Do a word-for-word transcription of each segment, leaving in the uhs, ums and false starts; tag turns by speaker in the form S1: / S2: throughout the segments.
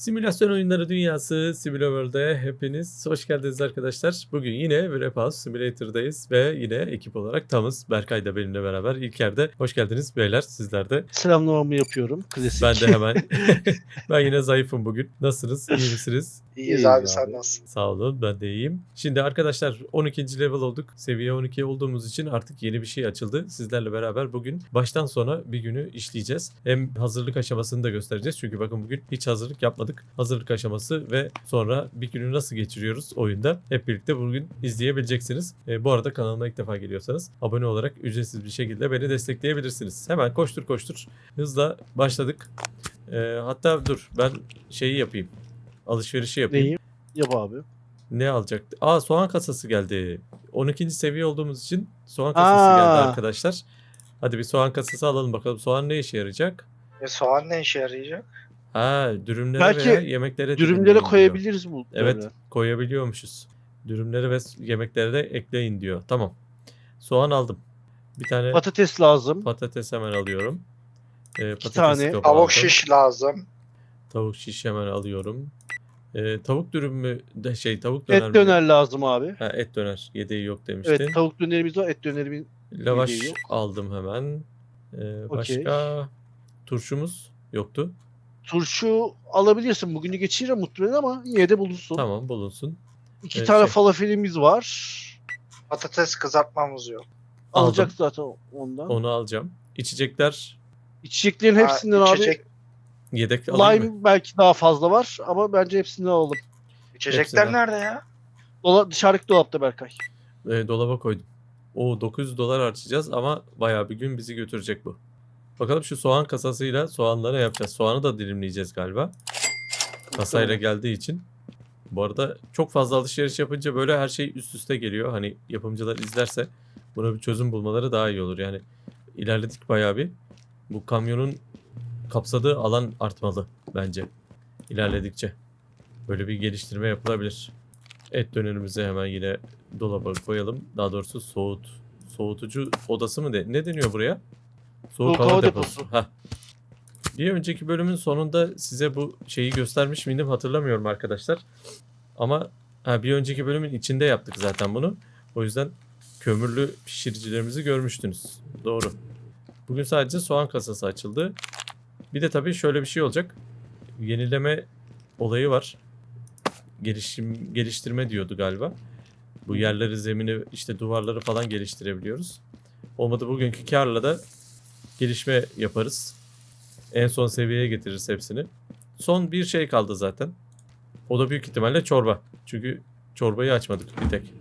S1: Simülasyon oyunları dünyası SimulaWorld'e hepiniz hoş geldiniz arkadaşlar. Bugün yine Wrap House Simulator'dayız ve yine ekip olarak tamız. Berkay da benimle beraber. İlker de hoş geldiniz beyler, sizler de.
S2: Selamlamamı yapıyorum. Klasik.
S1: Ben de hemen. Ben yine zayıfım bugün. Nasılsınız? İyi misiniz?
S3: İyiyiz
S2: İyiyiz
S3: abi,
S2: abi.
S3: sen nasılsın?
S1: Sağ olun, ben de iyiyim. Şimdi arkadaşlar on ikinci level olduk. Seviye on iki olduğumuz için artık yeni bir şey açıldı. Sizlerle beraber bugün baştan sona bir günü işleyeceğiz. Hem hazırlık aşamasını da göstereceğiz. Çünkü bakın bugün hiç hazırlık yapmadık. Hazırlık aşaması ve sonra bir günü nasıl geçiriyoruz oyunda hep birlikte bugün izleyebileceksiniz. E, bu arada kanalıma ilk defa geliyorsanız abone olarak ücretsiz bir şekilde beni destekleyebilirsiniz. Hemen koştur koştur hızla başladık. E, hatta dur ben şeyi yapayım. Alışverişi yapayım.
S2: Neyi? Yap abi.
S1: Ne alacaktı? Aa, soğan kasası geldi. on ikinci seviye olduğumuz için soğan kasası
S2: Aa.
S1: geldi arkadaşlar. Hadi bir soğan kasası alalım bakalım. Soğan ne işe yarayacak?
S3: E, soğan ne işe yarayacak?
S1: Ha, dürümlere
S2: Belki
S1: veya yemeklere
S2: Dürümlere
S1: dilimleyin diyor.
S2: koyabiliriz bu.
S1: Evet,
S2: böyle.
S1: koyabiliyormuşuz. Dürümlere ve yemeklere de ekleyin diyor. Tamam. Soğan aldım. Bir tane
S2: Patates lazım.
S1: patates hemen alıyorum. Ee, patates
S2: tane.
S1: kabı
S3: Tavuk
S1: aldım.
S3: şiş lazım.
S1: Tavuk şiş hemen alıyorum. Ee, tavuk dürüm mü? De, şey tavuk döner
S2: Et
S1: mi?
S2: döner lazım abi.
S1: Ha, et döner. Yedeği yok demiştin.
S2: Evet, tavuk dönerimiz var. Et dönerimin
S1: Lavaş
S2: yedeği yok.
S1: aldım hemen. Ee,
S2: Okey.
S1: başka turşumuz yoktu.
S2: Turşu alabilirsin. Bugünü geçirir muhtemelen ama yine de bulunsun.
S1: Tamam, bulunsun.
S2: İki
S1: Evet,
S2: tane
S1: şey.
S2: falafelimiz var.
S3: Patates kızartmamız yok.
S2: Alacak
S1: Aldım.
S2: zaten ondan.
S1: Onu alacağım. İçecekler
S2: İçeceklerin
S3: Ha,
S2: hepsinden
S3: içecek,
S1: yedek alayım
S2: abi.
S1: mı?
S2: Lime belki daha fazla var ama bence hepsinden alalım.
S3: içecekler
S1: hepsinden.
S3: nerede ya?
S2: Dola, dışarıdaki dolapta Berkay.
S1: Ee, dolaba koydum. O dokuz yüz dolar harcayacağız ama bayağı bir gün bizi götürecek bu. Bakalım şu soğan kasasıyla soğanları yapacağız. Soğanı da dilimleyeceğiz galiba. Kasayla geldiği için. Bu arada çok fazla alışveriş yapınca böyle her şey üst üste geliyor. Hani yapımcılar izlerse buna bir çözüm bulmaları daha iyi olur. Yani ilerledik bayağı bir. Bu kamyonun kapsadığı alan artmalı bence. İlerledikçe. Böyle bir geliştirme yapılabilir. Et dönerimizi hemen yine dolaba koyalım. Daha doğrusu soğut. Soğutucu odası mı de? Ne deniyor buraya? Soğuk,
S2: Soğuk
S1: hava,
S2: hava
S1: deposu.
S2: deposu.
S1: Heh. Bir önceki bölümün sonunda size bu şeyi göstermiş miydim hatırlamıyorum arkadaşlar. Ama ha, bir önceki bölümün içinde yaptık zaten bunu. O yüzden kömürlü pişiricilerimizi görmüştünüz. Doğru. Bugün sadece soğan kasası açıldı. Bir de tabii şöyle bir şey olacak. Yenileme olayı var. Gelişim, geliştirme diyordu galiba. Bu yerleri, zemini, işte duvarları falan geliştirebiliyoruz. Olmadı bugünkü karla da gelişme yaparız. En son seviyeye getiririz hepsini. Son bir şey kaldı zaten. O da büyük ihtimalle çorba. Çünkü çorbayı açmadık bir tek.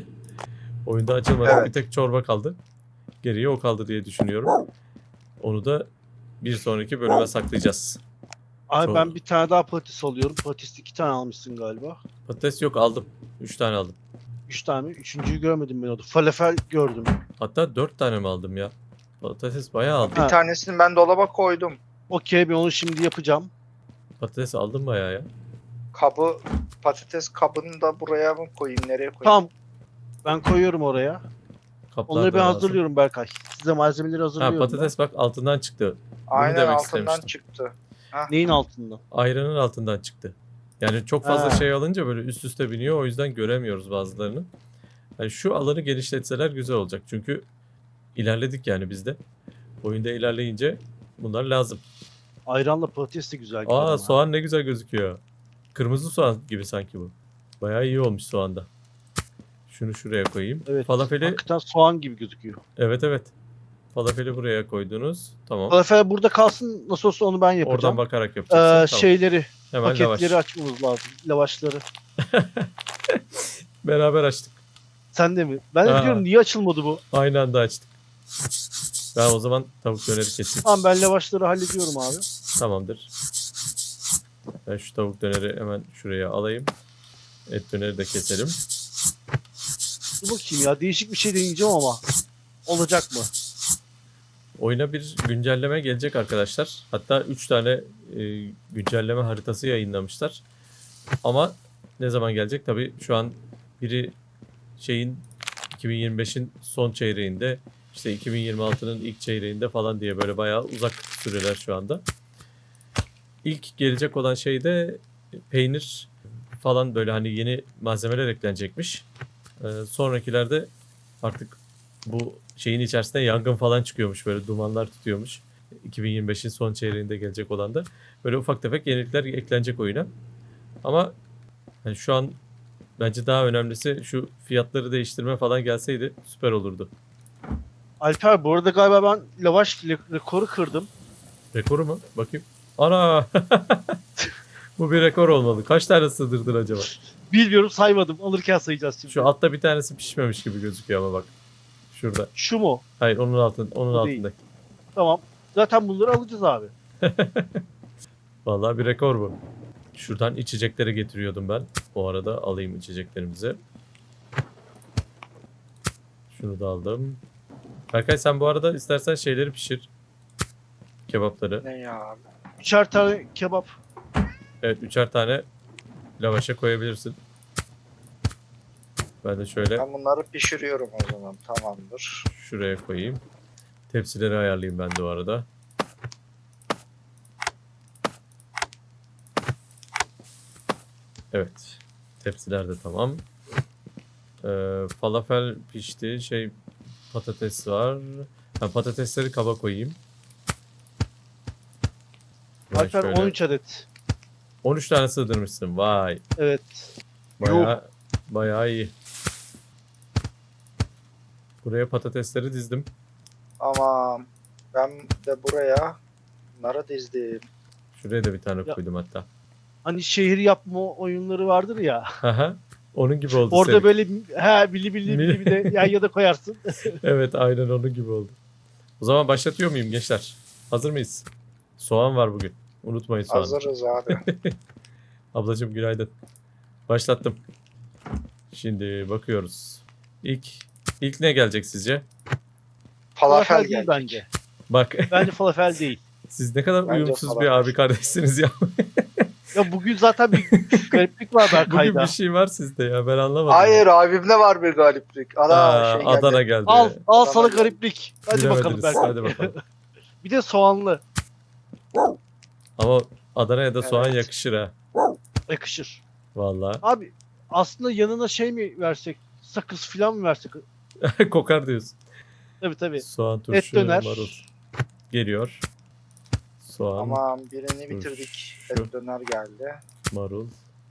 S1: Oyunda açılmadı.
S3: Evet.
S1: Bir tek çorba kaldı. Geriye o kaldı diye düşünüyorum. Onu da bir sonraki bölüme saklayacağız.
S2: Abi
S1: Çok-
S2: ben bir tane daha patates alıyorum. Patates iki tane almışsın galiba.
S1: Patates yok, aldım. Üç tane aldım.
S2: Üç tane mi? Üçüncüyü görmedim ben orada. Falafel gördüm.
S1: Hatta dört tane mi aldım ya? Patates bayağı aldım.
S3: Bir
S2: Ha.
S3: tanesini ben dolaba koydum.
S2: Okey, ben onu şimdi yapacağım.
S1: Patates aldım bayağı ya.
S3: Kabı, patates kabını da buraya mı koyayım, nereye koyayım?
S2: Tamam. Ben koyuyorum oraya.
S1: Kaplar
S2: Onları
S1: da
S2: ben
S1: lazım.
S2: hazırlıyorum Berkay. Size malzemeleri
S1: Ha,
S2: hazırlıyorum.
S1: patates bak altından çıktı.
S3: Aynen,
S1: demek
S3: altından
S1: istemiştim.
S3: çıktı.
S2: ben. Neyin altında?
S1: Ayranın altından çıktı. Yani çok fazla
S2: Ha.
S1: şey alınca böyle üst üste biniyor. O yüzden göremiyoruz bazılarını. Yani şu alanı genişletseler güzel olacak. Çünkü ilerledik yani biz de. Oyunda ilerleyince bunlar lazım.
S2: Ayranla patates de güzel gider ama.
S1: Aa, soğan ne güzel gözüküyor. Kırmızı soğan gibi sanki bu. Bayağı iyi olmuş soğanda. Şunu şuraya koyayım.
S2: Evet.
S1: Falafeli,
S2: Hakikaten soğan gibi gözüküyor.
S1: evet evet. Falafeli buraya koydunuz. Tamam.
S2: Falafel burada kalsın. Nasıl olsa onu ben
S1: Oradan
S2: yapacağım.
S1: bakarak
S2: Ee,
S1: yapacaksın. Tamam.
S2: Şeyleri,
S1: Hemen
S2: paketleri
S1: lavaş.
S2: açmamız lazım. Lavaşları.
S1: Beraber açtık.
S2: Sen de mi? Ben de
S1: Ha.
S2: diyorum niye açılmadı bu?
S1: Aynı anda açtık. Ben o zaman tavuk döneri keseyim.
S2: Tamam, ben lavaşları hallediyorum abi.
S1: Tamamdır. Ben şu tavuk döneri hemen şuraya alayım. Et döneri de keselim.
S2: Dur bakayım ya, değişik bir şey deneyeceğim ama. Olacak mı?
S1: Oyuna bir güncelleme gelecek arkadaşlar. Hatta üç tane e, güncelleme haritası yayınlamışlar. Ama ne zaman gelecek? Tabii şu an biri şeyin iki bin yirmi beşin son çeyreğinde, işte iki bin yirmi altının ilk çeyreğinde falan diye böyle bayağı uzak süreler şu anda. İlk gelecek olan şey de peynir falan böyle hani yeni malzemeler eklenecekmiş. Ee, sonrakilerde artık bu şeyin içerisinde yangın falan çıkıyormuş. Böyle dumanlar tutuyormuş. iki bin yirmi beşin son çeyreğinde gelecek olan da. Böyle ufak tefek yenilikler eklenecek oyuna. Ama hani şu an bence daha önemlisi şu fiyatları değiştirme falan gelseydi süper olurdu.
S2: Alper bu arada galiba ben lavaş le- rekoru kırdım.
S1: Rekoru mu? Bakayım. Ana! Bu bir rekor olmalı. Kaç tane sığdırdın acaba?
S2: Bilmiyorum, saymadım. Alırken sayacağız şimdi.
S1: Şu altta bir tanesi pişmemiş gibi gözüküyor ama bak. Şurada.
S2: Şu mu?
S1: Hayır onun altın, onun
S2: Bu değil.
S1: altındaki.
S2: Tamam. Zaten bunları alacağız abi.
S1: Vallahi bir rekor bu. Şuradan içecekleri getiriyordum ben. O arada alayım içeceklerimizi. Şunu da aldım. Berkay sen bu arada istersen şeyleri pişir. Kebapları.
S3: Ne ya abi?
S2: Üçer tane kebap.
S1: Evet üçer tane lavaşa koyabilirsin. Ben de şöyle
S3: Ben bunları pişiriyorum o zaman. Tamamdır.
S1: şuraya koyayım. Tepsileri ayarlayayım ben de o arada. Evet. Tepsiler de tamam. Ee, falafel pişti. Şey patates var. Ha, patatesleri kaba koyayım. Ben
S2: Alper
S1: şöyle-
S2: on üç adet.
S1: on üç tane sığdırmışsın. Vay.
S2: Evet.
S1: Bayağı, bayağı iyi. Buraya patatesleri dizdim.
S3: Tamam. Ben de buraya bunları dizdim.
S1: Şuraya da bir tane
S2: Ya-
S1: koydum hatta.
S2: Hani şehir yapma oyunları vardır ya.
S1: Haha. Onun gibi oldu
S2: Orada
S1: senin.
S2: böyle he bili bili bili bir de yan yana koyarsın.
S1: Evet aynen onun gibi oldu. O zaman başlatıyor muyum gençler? Hazır mıyız? Soğan var bugün. Unutmayın soğanı.
S3: Hazırız abi.
S1: Ablacığım günaydın. Başlattım. Şimdi bakıyoruz. İlk ilk ne gelecek sizce?
S3: Falafel
S2: Falafel değil
S3: geldi.
S2: bence.
S1: Bak
S2: Bence falafel değil.
S1: siz ne kadar
S3: Bence
S1: uyumsuz bir
S3: falafel.
S1: abi kardeşsiniz ya.
S2: Ya bugün zaten bir gariplik var
S1: Bugün
S2: Berkay'da.
S1: bir şey var sizde ya ben anlamadım.
S3: Hayır abimde var bir galiplik. Ana
S1: Aa,
S3: şey geldi.
S1: Adana geldi.
S2: Al, al sana
S3: Tamam.
S2: gariplik. Hadi bakalım
S1: Bilemediniz.
S2: Berkay.
S1: Hadi bakalım.
S2: Bir de soğanlı.
S1: Ama Adana'ya da soğan
S3: Evet.
S1: yakışır ha.
S2: Yakışır.
S1: Vallahi.
S2: Abi aslında yanına şey mi versek? Sakız falan mı versek?
S1: Kokar diyorsun.
S2: Tabii tabii.
S1: Soğan turşu,
S2: Et döner.
S1: marul. Geliyor. Soğan,
S3: Tamam birini bitirdik.
S1: Şu.
S3: Et döner geldi.
S1: marul.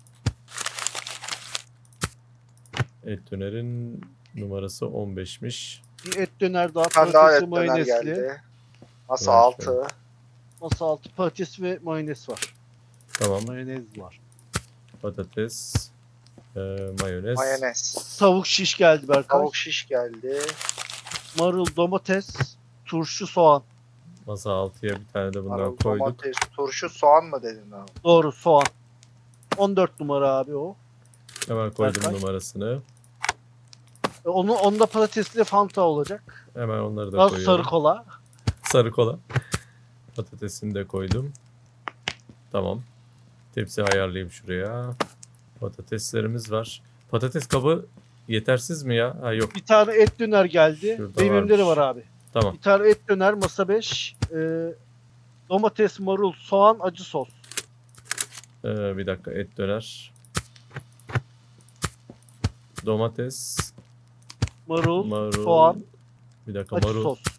S1: Et dönerin numarası on beşmiş.
S2: Bir et döner daha,
S3: Bir tane daha
S2: patatesli
S3: et döner
S2: mayonesli.
S3: geldi. Masa
S1: Evet,
S3: altı.
S2: Masa altı patates ve mayonez var.
S1: Tamam.
S2: Mayonez var.
S1: Patates, e, mayonez.
S3: Mayonez.
S2: Tavuk şiş geldi Berkay.
S3: Tavuk şiş geldi.
S2: Marul, domates, turşu, soğan.
S1: Masa altıya bir tane de bundan
S3: Marul,
S1: koyduk.
S3: domates, turşu, soğan mı dedin abi?
S2: Doğru, soğan. on dört numara abi o.
S1: Hemen koydum
S2: Berkay.
S1: numarasını.
S2: E, Onu, onda patatesli Fanta olacak.
S1: Hemen onları da
S2: Daha
S1: koyuyorum.
S2: sarı kola.
S1: Sarı kola. Patatesini de koydum. Tamam. Tepsi ayarlayayım şuraya. Patateslerimiz var. Patates kabı yetersiz mi ya? Ha yok.
S2: Bir tane et döner geldi.
S1: Şurada
S2: Benim elimde de
S1: varmış.
S2: var abi.
S1: Tamam.
S2: Bir tane et döner masa beş. E, domates, marul, soğan, acı sos.
S1: Ee, bir dakika et döner. Domates,
S2: Marul,
S1: marul.
S2: soğan,
S1: Bir dakika
S2: acı
S1: marul,
S2: sos.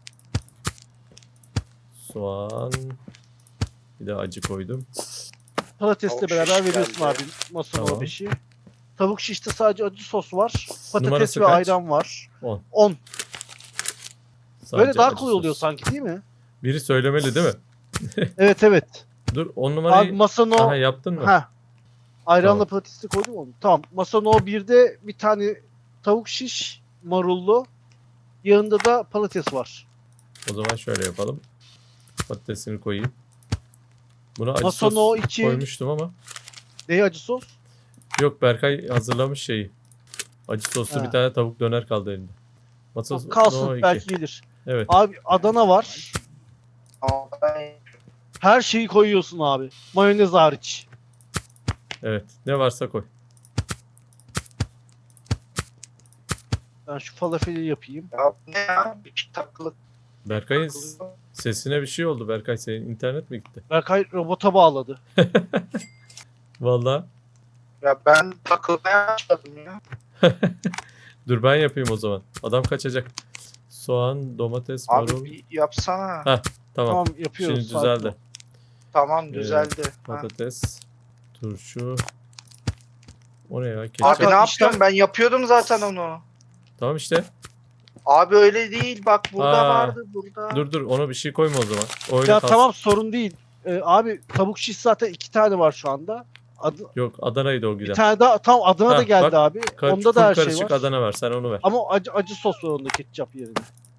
S1: soğan. Bir de acı koydum.
S2: Patatesle
S3: Tavuk
S2: beraber
S3: şiş
S2: veriyorsun
S3: geldi.
S2: abi masanın
S1: Tamam.
S2: o beşi. Tavuk şişte sadece acı sos var. Patates
S1: Numarası
S2: ve
S1: kaç?
S2: ayran var.
S1: on.
S2: on.
S1: Sadece
S2: Böyle daha
S1: acı
S2: kolay oluyor
S1: sos.
S2: sanki değil mi?
S1: Biri söylemeli değil mi?
S2: Evet evet.
S1: Dur on
S2: Abi
S1: numarayı.
S2: masanın o...
S1: Aha yaptın mı?
S2: Ha. Ayranla
S1: Tamam.
S2: patatesi koydum mu? Tamam. Masanın o birde bir tane tavuk şiş marullu. Yanında da patates var.
S1: O zaman şöyle yapalım. Patatesini koyayım. Buna acı
S2: Masanın
S1: sos
S2: o iki...
S1: koymuştum ama.
S2: Ne acı sos?
S1: Yok Berkay hazırlamış şeyi. Acı soslu
S2: Ha.
S1: bir tane tavuk döner kaldı elinde. Masa
S2: Kalsın
S1: no iki.
S2: belki gelir.
S1: Evet.
S2: Abi Adana var.
S3: Ama ben
S2: Her şeyi koyuyorsun abi. Mayonez hariç.
S1: Evet. Ne varsa koy.
S2: Ben şu falafeli yapayım.
S3: ya ne ya? Bir takılık.
S1: Berkay'ın s- sesine bir şey oldu. Berkay senin internet mi gitti?
S2: Berkay robota bağladı.
S1: Vallahi.
S3: Ya ben takılmaya başladım ya.
S1: Dur ben yapayım o zaman. Adam kaçacak. Soğan, domates,
S3: Abi
S1: marul.
S3: bir yapsana.
S1: Ha, tamam.
S2: Tamam yapıyoruz.
S1: Şimdi
S2: sakin ol.
S1: düzeldi.
S3: Tamam
S1: Ee,
S3: düzeldi. Ha.
S1: Patates, turşu. O ne ya?
S3: Abi
S1: Ketçap.
S3: ne
S2: Hakan,
S3: yaptım? Ben yapıyordum zaten onu.
S1: Tamam işte.
S3: Abi öyle değil. Bak burada
S1: Aa,
S3: vardı burada.
S1: Dur dur ona bir şey koyma o zaman. O öyle
S2: Ya
S1: kalsın.
S2: tamam sorun değil. Ee, abi tavuk şiş zaten iki tane var şu anda. Adı,
S1: Yok Adana'ydı o
S2: bir
S1: giden.
S2: tane daha tam Adana da
S1: Ha,
S2: geldi
S1: bak,
S2: abi.
S1: Ka-
S2: Onda
S1: full
S2: da her şey
S1: karışık
S2: var.
S1: Adana ver sen onu ver.
S2: Ama acı acı sos var onda ketçap yerine.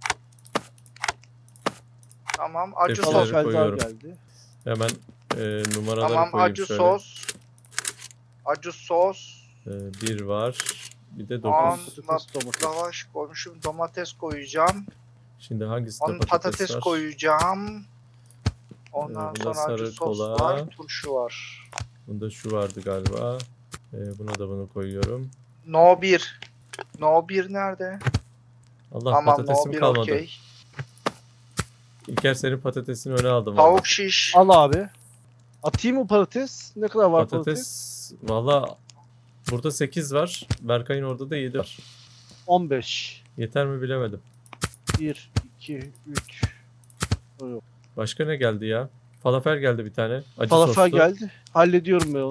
S3: Tamam acı
S1: Tepsileri
S3: sos.
S2: Falafel daha
S1: koyuyorum.
S2: geldi.
S1: Hemen e, numaraları
S3: Tamam
S1: koyayım
S3: acı
S1: şöyle.
S3: sos. Acı sos.
S1: E, bir var. Bir de
S3: Soğan,
S1: dokuz.
S2: Patates, domates.
S3: lavaş koymuşum. Domates koyacağım.
S1: Şimdi hangisinde
S3: Onun
S1: patates,
S3: patates
S1: var?
S3: koyacağım. Ondan
S1: Ee, bunda
S3: sonra acı
S1: sarı
S3: sos
S1: kola.
S3: var. Turşu var.
S1: Bunda şu vardı galiba. E, buna da bunu koyuyorum.
S3: No bir. No bir nerede?
S1: Allah
S3: Tamam no
S1: patatesim
S3: bir
S1: kalmadı.
S3: okey.
S1: İlker senin patatesini öne aldım. vallahi.
S3: Tavuk şiş.
S2: Al abi. Atayım mı patates? Ne kadar var patates?
S1: Patates valla burada sekiz var. Berkay'ın orada da yedi var.
S2: on beş.
S1: Yeter mi bilemedim.
S2: bir, iki, üç.
S1: Başka ne geldi ya? Falafel geldi bir tane. Acı
S2: Falafel
S1: soslu.
S2: geldi. Hallediyorum ben onu.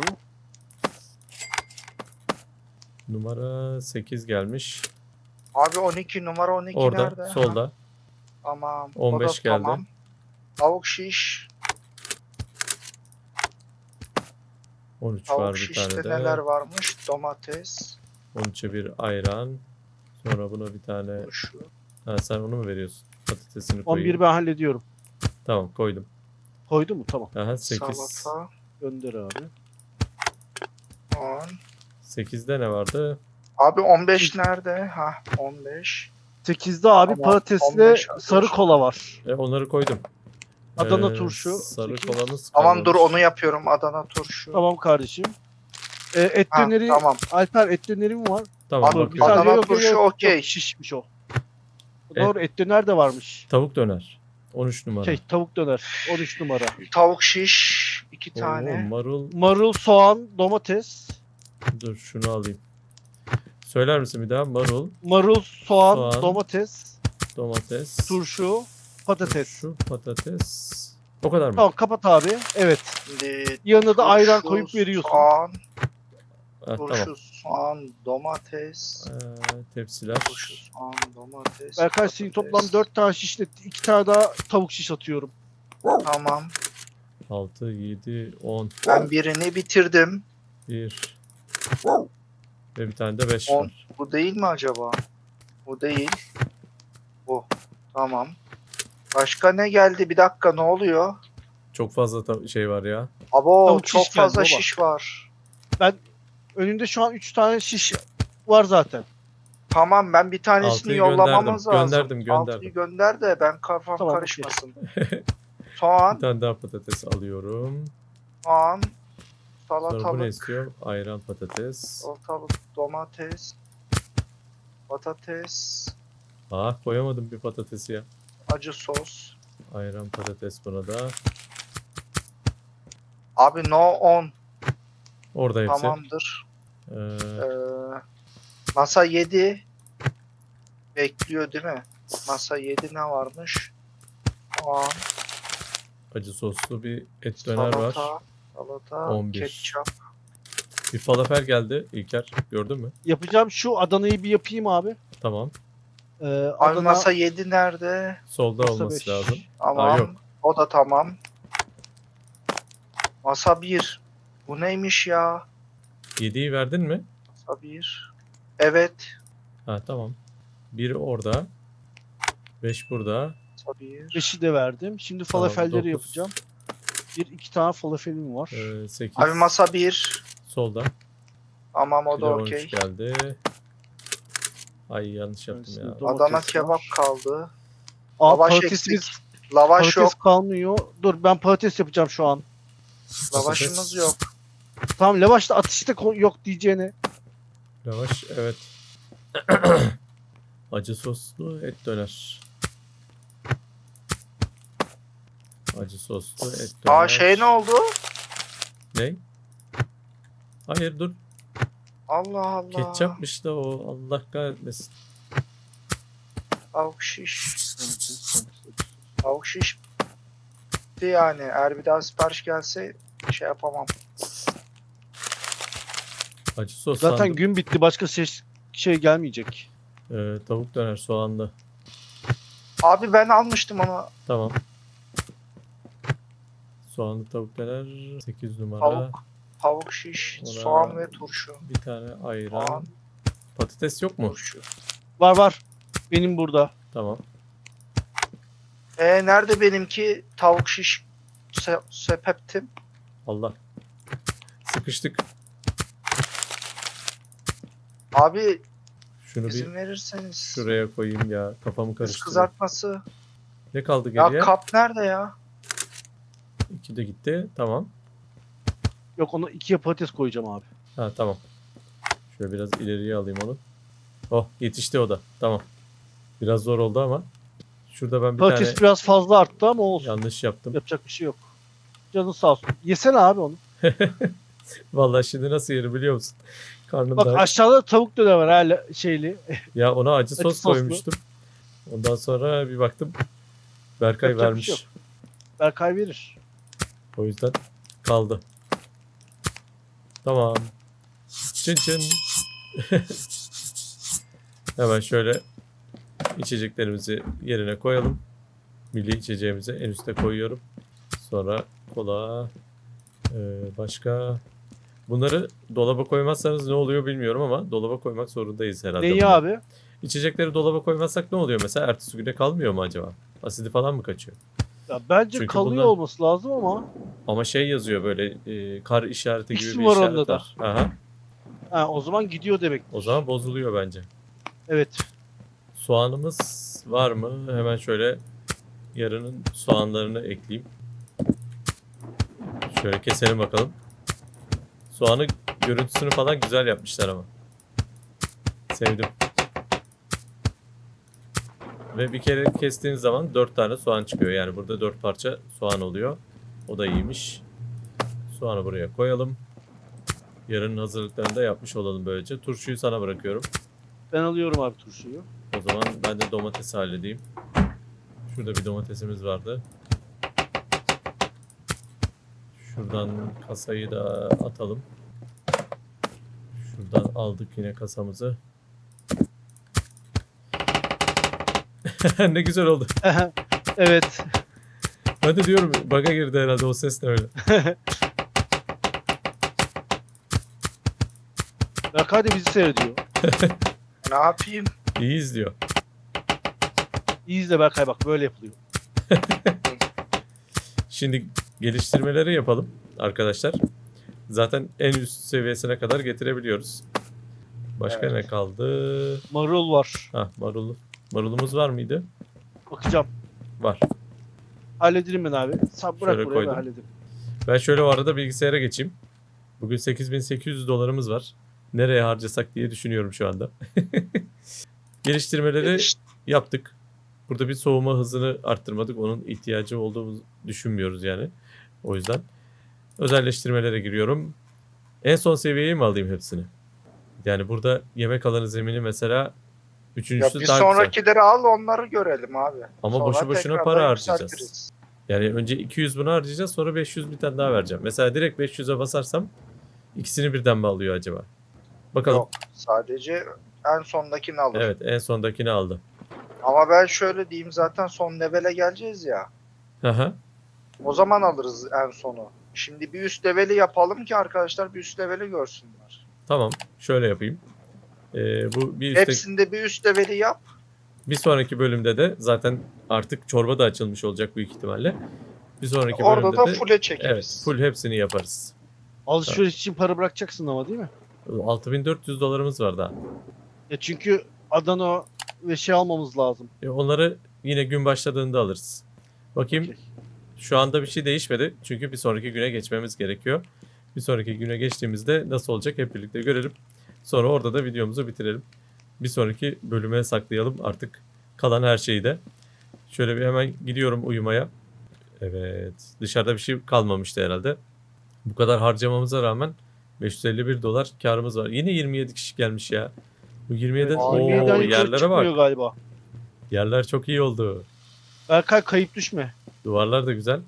S1: Numara sekiz gelmiş.
S3: Abi on iki numara on iki
S1: Orada
S3: nerede?
S1: solda.
S3: Ha, tamam.
S1: on
S3: o da
S1: beş geldi.
S3: Tamam. Tavuk şiş.
S1: on üç
S3: Tavuk
S1: var bir
S3: şişte
S1: tane de.
S3: neler varmış? Domates.
S1: on üçe bir ayran. Sonra buna bir tane.
S3: Turşu.
S1: Ha, sen onu mu veriyorsun? Patatesini
S2: on
S1: koyayım.
S2: bir ben hallediyorum.
S1: Tamam koydum.
S2: Koydu mu? Tamam.
S1: Aha sekiz.
S3: Salata.
S2: Gönder abi.
S3: on.
S1: sekizde ne vardı?
S3: Abi on beş nerede? Ha on beş.
S2: sekizde abi
S3: Tamam,
S2: patatesle
S3: on beş
S2: sarı kola var.
S1: E, onları koydum.
S2: Adana
S1: Ee,
S2: turşu,
S1: Sarı
S2: sekiz.
S1: kolamız
S3: Tamam dur
S1: kalmamış.
S3: onu yapıyorum. Adana turşu.
S2: Tamam kardeşim. Ee, et
S3: Ha,
S2: döneri,
S3: tamam.
S2: Alper et döneri mi var?
S1: Tamam
S3: Abi,
S2: Dur,
S1: bakıyorum.
S3: Adana
S2: saniye, yok, yok,
S3: turşu
S2: yok,
S3: okey.
S2: yok, şişmiş o. Doğru et döner de varmış.
S1: Tavuk döner. on üç numara.
S2: Şey tavuk döner on üç numara.
S3: Tavuk şiş. iki
S1: Oo,
S3: tane.
S1: marul.
S2: Marul, soğan, domates.
S1: Dur şunu alayım. Söyler misin bir daha? Marul,
S2: Marul, soğan,
S1: Soğan.
S2: domates,
S1: domates,
S2: turşu, patates.
S1: şu patates. O kadar mı?
S2: Tamam kapat abi. Evet.
S3: Şimdi
S2: Yanına da ayran
S3: turşu,
S2: koyup veriyorsun.
S3: Soğan,
S1: Ha,
S3: turşu,
S1: tamam.
S3: soğan, domates.
S1: Ee, tepsiler.
S3: Turşu, soğan, domates.
S2: Berkay senin
S3: patates.
S2: toplam dört tane şişle iki tane daha tavuk şiş atıyorum.
S3: Tamam.
S1: altı, yedi, on.
S3: Ben birini bitirdim.
S1: bir. Ve bir tane de beş
S3: On.
S1: var.
S3: Bu değil mi acaba? Bu değil. Bu. Tamam. Başka ne geldi? Bir dakika ne oluyor?
S1: Çok fazla ta- şey var ya.
S3: Abo
S2: Tavuk
S3: çok
S2: şiş geldi
S3: fazla
S2: baba.
S3: şiş var.
S2: Önünde şu an üç tane şiş var zaten.
S3: Tamam ben bir tanesini
S1: Altıyı
S3: yollamamız
S1: gönderdim,
S3: lazım.
S1: gönderdim, gönderdim.
S3: Altıyı gönder de ben kafam
S2: Tamam,
S3: karışmasın.
S1: Bir
S3: Soğan,
S1: tane daha patates alıyorum.
S3: soğan,
S1: Sonra bu ne
S3: salatalık,
S1: istiyor? Ayran patates.
S3: salatalık, domates, patates,
S1: Ah koyamadım bir patatesi ya.
S3: acı sos.
S1: Ayran patates buna da.
S3: Abi no on.
S1: Orada hepsi.
S3: Tamamdır.
S1: Ee,
S3: Ee, masa yedi. Bekliyor değil mi? Masa yedi ne varmış? Soğan,
S1: acı soslu bir et döner var.
S3: salata, salata,
S1: on bir.
S3: ketçap.
S1: Bir falafel geldi İlker. Gördün mü?
S2: Yapacağım şu Adana'yı bir yapayım abi.
S1: Tamam.
S2: Ee,
S3: Abi
S2: Adana
S3: masa yedi nerede?
S1: Solda
S2: masa
S1: olması
S2: beş.
S1: lazım.
S3: Tamam.
S1: yok.
S3: O da tamam. Masa bir. Bu neymiş ya?
S1: yediyi verdin mi?
S3: Masa bir. Evet.
S1: Ha tamam. Biri orada. beş burada.
S3: Masa bir.
S2: beşi de verdim. Şimdi
S1: Tamam,
S2: falafelleri
S1: dokuz.
S2: yapacağım. Bir iki tane falafelim var.
S1: Ee, sekiz.
S3: Abi masa bir.
S1: Solda.
S3: Tamam o
S1: Bir
S3: da
S1: de on üç
S3: okey.
S1: geldi. Ay yanlış yaptım
S2: Öylesine
S1: ya.
S2: domates
S3: Adana
S2: var.
S3: kebap kaldı.
S2: Aa,
S3: Lavaş
S2: patatesimiz
S3: eksik. Lavaş
S2: patates
S3: yok.
S2: kalmıyor. Dur ben patates yapacağım şu an.
S3: Lavaşımız yok.
S2: Tamam lavaşta atışta ko- yok diyeceğine.
S1: Yavaş evet. Acı soslu et döner. Acı soslu et döner.
S3: Aa şey ne oldu?
S1: Ne? Hayır dur.
S3: Allah Allah.
S1: Ketçapmış da o. Allah kahretmesin.
S3: Tavuk şiş. Tavuk şiş. Bitti yani. Eğer bir daha sipariş gelse şey yapamam.
S1: Acı sos
S2: Zaten
S1: sandım.
S2: gün bitti. Başka ses şey gelmeyecek.
S1: Ee, tavuk döner soğanlı.
S3: Abi ben almıştım onu.
S1: Tamam. Soğanlı tavuk döner. sekiz numara.
S3: Tavuk. Tavuk şiş,
S1: Ona-
S3: soğan ve turşu.
S1: Bir tane ayran.
S3: Soğan,
S1: Patates yok mu?
S3: turşu.
S2: Var var. Benim burada.
S1: Tamam.
S3: E nerede benimki tavuk şiş se sepeptim?
S1: Allah. Sıkıştık.
S3: Abi
S1: Şunu
S3: izin
S1: bir
S3: verirseniz.
S1: şuraya koyayım ya. Kafamı
S3: Kız
S1: karıştırdım.
S3: kızartması.
S1: Ne kaldı
S3: Ya
S1: geriye?
S3: kap nerede ya?
S1: İki de gitti. Tamam.
S2: Yok, ona ikiye patates koyacağım abi.
S1: Ha tamam. Şöyle biraz ileriye alayım onu. Oh yetişti o da. Tamam. Biraz zor oldu ama. Şurada ben bir
S2: Patates
S1: tane
S2: biraz fazla arttı ama olsun.
S1: yanlış yaptım.
S2: Yapacak bir şey yok. Canın sağ olsun. Yesene abi onu.
S1: Vallahi şimdi nasıl yerim biliyor musun? Karnım
S2: Bak
S1: da
S2: aşağıda tavuk döner var hala şeyli.
S1: ya ona acı sos
S2: soslu.
S1: koymuştum. Ondan sonra bir baktım Berkay
S2: Yapacak bir
S1: vermiş.
S2: şey yok. Berkay verir.
S1: O yüzden kaldı. Tamam. Çın çın. Hemen şöyle içeceklerimizi yerine koyalım. Milli içeceğimizi en üste koyuyorum. Sonra kola. Ee, başka. Bunları dolaba koymazsanız ne oluyor bilmiyorum ama dolaba koymak zorundayız herhalde.
S2: Neyi
S1: bunları.
S2: abi?
S1: İçecekleri dolaba koymazsak ne oluyor mesela? Ertesi güne kalmıyor mu acaba? Asidi falan mı kaçıyor?
S2: Ya bence
S1: Çünkü
S2: kalıyor
S1: bunlar-
S2: olması lazım ama.
S1: Ama şey yazıyor böyle e, kar işareti gibi
S2: X
S1: bir
S2: var
S1: işaret
S2: onda da.
S1: var. Aha.
S2: Ha, o zaman gidiyor demek.
S1: O zaman bozuluyor bence.
S2: Evet.
S1: Soğanımız var mı? Hemen şöyle yarının soğanlarını ekleyeyim. Şöyle keselim bakalım. Soğanı görüntüsünü falan güzel yapmışlar ama. Sevdim. Ve bir kere kestiğiniz zaman dört tane soğan çıkıyor. Yani burada dört parça soğan oluyor. O da iyiymiş. Soğanı buraya koyalım. Yarının hazırlıklarını da yapmış olalım böylece. Turşuyu sana bırakıyorum.
S2: Ben alıyorum abi turşuyu.
S1: O zaman ben de domatesi halledeyim. Şurada bir domatesimiz vardı. Şuradan kasayı da atalım. Şuradan aldık yine kasamızı. Ne güzel oldu.
S2: Evet.
S1: Ben de diyorum bug'a girdi herhalde o ses ne öyle.
S2: Berkay da bizi seyrediyor.
S3: Ne yapayım?
S1: İyi izliyor.
S2: İyi izle Berkay, bak böyle yapılıyor.
S1: Şimdi geliştirmeleri yapalım arkadaşlar. Zaten en üst seviyesine kadar getirebiliyoruz. Başka
S3: Evet.
S1: ne kaldı?
S2: Marul var.
S1: Ha marul. Marulumuz var mıydı?
S2: Bakacağım.
S1: Var.
S2: Hallederim ben abi. Sen bırak
S1: Şöyle
S2: buraya,
S1: koydum.
S2: ben hallederim.
S1: Ben şöyle o arada bilgisayara geçeyim. Bugün sekiz bin sekiz yüz dolarımız var. Nereye harcasak diye düşünüyorum şu anda. Geliştirmeleri
S3: Geliş-
S1: yaptık. Burada bir soğuma hızını arttırmadık. Onun ihtiyacı olduğumuzu düşünmüyoruz yani. O yüzden özelleştirmelere giriyorum. En son seviyeye mi alayım hepsini? Yani burada yemek alanı zemini mesela
S3: Ya
S1: üçüncüsü
S3: bir
S1: daha güzel.
S3: sonrakileri al onları görelim abi.
S1: Ama
S3: Sonra
S1: boşu boşuna
S3: tekrardan
S1: para harcayacağız.
S3: yükseltiriz.
S1: Yani önce iki yüz bunu harcayacağız, sonra beş yüz bir tane daha vereceğim. Mesela direkt beş yüze basarsam ikisini birden mi alıyor acaba? Bakalım.
S3: Yok, sadece en sondakini alır.
S1: Evet, en sondakini aldı.
S3: Ama ben şöyle diyeyim, zaten son levele geleceğiz ya.
S1: Hı hı.
S3: O zaman alırız en sonu. Şimdi bir üst leveli yapalım ki arkadaşlar bir üst leveli görsünler.
S1: Tamam. Şöyle yapayım. Ee, bu bir üstte,
S3: Hepsinde bir üst leveli yap.
S1: bir sonraki bölümde de zaten artık çorba da açılmış olacak büyük ihtimalle. Bir sonraki
S3: Orada
S1: bölümde
S3: da
S1: de
S3: full'e çekeriz.
S1: evet, full hepsini yaparız.
S2: Alışveriş için para bırakacaksın ama, değil mi?
S1: altı bin dört yüz dolarımız var daha.
S2: Ya çünkü Adana ve şey almamız lazım.
S1: E, onları yine gün başladığında alırız. Bakayım.
S2: Okey.
S1: Şu anda bir şey değişmedi. Çünkü bir sonraki güne geçmemiz gerekiyor. Bir sonraki güne geçtiğimizde nasıl olacak hep birlikte görelim. Sonra orada da videomuzu bitirelim. Bir sonraki bölüme saklayalım artık kalan her şeyi de. Şöyle bir hemen gidiyorum uyumaya. Evet. Dışarıda bir şey kalmamıştı herhalde. Bu kadar harcamamıza rağmen beş yüz elli bir dolar karımız var. Yine yirmi yedi kişi gelmiş ya. Bu yirmi yedi
S2: Evet,
S1: Oo,
S2: yirmi yediden yukarı
S1: yerlere
S2: çıkmıyor
S1: bak.
S2: galiba.
S1: Yerler çok iyi oldu.
S2: Berkay kayıp düşme.
S1: Duvarlar da güzel.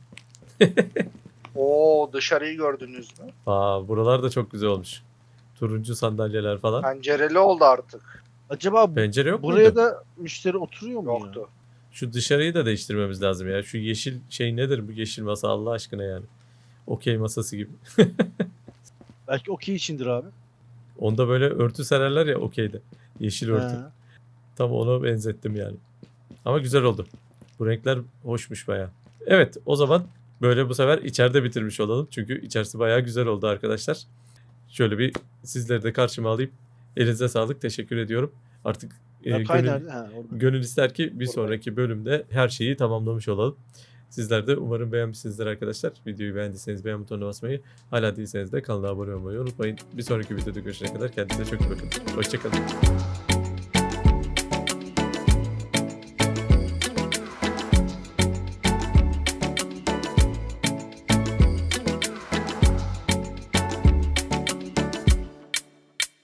S3: Oo, dışarıyı gördünüz mü?
S1: Aa, buralar da çok güzel olmuş. Turuncu sandalyeler falan.
S3: Pencereli oldu artık.
S2: Acaba
S1: Pencere yok
S2: buraya
S1: muydu?
S2: da müşteri oturuyor mu ya?
S3: Yoktu.
S1: Şu dışarıyı da değiştirmemiz lazım ya. Şu yeşil şey nedir bu yeşil masa Allah aşkına yani. Okey masası gibi.
S2: Belki okey içindir abi.
S1: Onda böyle örtü sererler ya okeyde. Yeşil örtü.
S2: He.
S1: Tam ona benzettim yani. Ama güzel oldu. Bu renkler hoşmuş baya. Evet o zaman böyle bu sefer içeride bitirmiş olalım. Çünkü içerisi baya güzel oldu arkadaşlar. Şöyle bir sizleri de karşıma alayım. Elinize sağlık. Teşekkür ediyorum. Artık e,
S2: Berkay
S1: gönül,
S2: nerede? Ha, orada.
S1: gönül ister ki bir
S3: Buradayım.
S1: sonraki bölümde her şeyi tamamlamış olalım. Sizler de umarım beğenmişsinizdir arkadaşlar. Videoyu beğendiyseniz beğen butonuna basmayı, hala değilseniz de kanala abone olmayı unutmayın. Bir sonraki videoda görüşene kadar kendinize çok iyi bakın. Hoşçakalın.